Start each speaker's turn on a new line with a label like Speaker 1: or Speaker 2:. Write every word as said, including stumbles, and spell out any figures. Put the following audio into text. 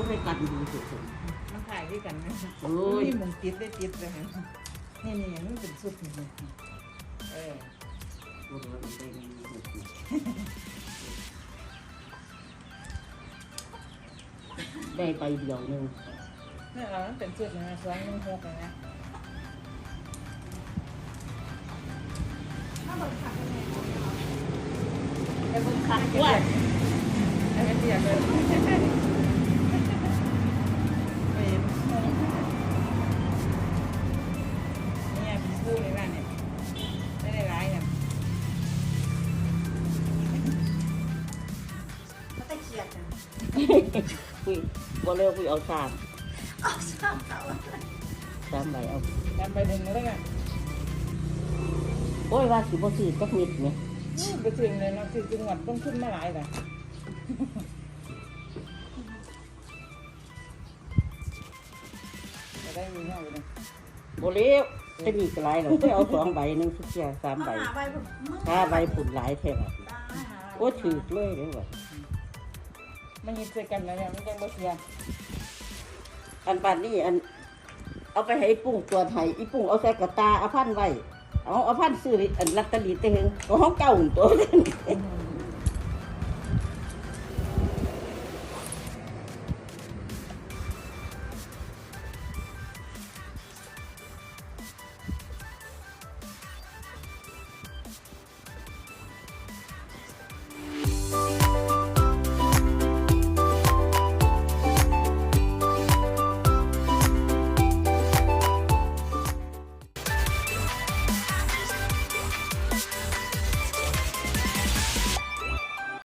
Speaker 1: ให้กันดีสุด
Speaker 2: มันถ่ายด้วยกันนะ
Speaker 1: โอ้ย
Speaker 2: นี่มันติดได้ติดเลยฮะนี่นี่มันเป็นสุดนี่เออ
Speaker 1: โอ้โหได้ดีสุดได้ไปเดียวหนึ่ง
Speaker 2: นี่เรามันเป็นสุดนะสองหนึ่งหกนะ
Speaker 3: ถ้าเบิกขาดเป็นไง
Speaker 2: ไอ้บุญขาดว่าไอ้เดียวเลยเนี่ยเป็นคู่เลยบ้านเนี่ยไม่ได้ร้ายเนี่ย
Speaker 3: เขาตะเกียบนะ
Speaker 1: คุยบ่เร็วคุยเอาสาม
Speaker 3: เอาสามเต่า
Speaker 1: สามใบเอา
Speaker 2: ทำไปถึงแล้วไง
Speaker 1: โอ้ยว่าสิบ่ซื้อจักนิดเนี่ย
Speaker 2: ไปถึงเลยเนาะถึงจังหวัดต้องขึ้นมาหลายแต่จะได้มีเท่าไหร่
Speaker 1: บ่เร็วจะมีกระไรหรอกไปเอาสองใบหนึ่งสุดเสียสามใบ
Speaker 3: หาใบผมมึง
Speaker 1: ห้าใบผุนหลายแท้แบบ
Speaker 3: ได้หา
Speaker 1: โอ้ถือเลยเด้อว่ะ
Speaker 2: มันยิงใส่กันแล้วเนี่ยมันยังบ่เสีย
Speaker 1: อันปานนี้อันเอาไปให้อีปุ้งตัวไทยอีปุ้งเอาใส่กระตาเอาพันไว้เอาเอาพันซื้ออันลัตเตอรี่เต็งก็ห้องเก่าตัวนั้น
Speaker 2: อืม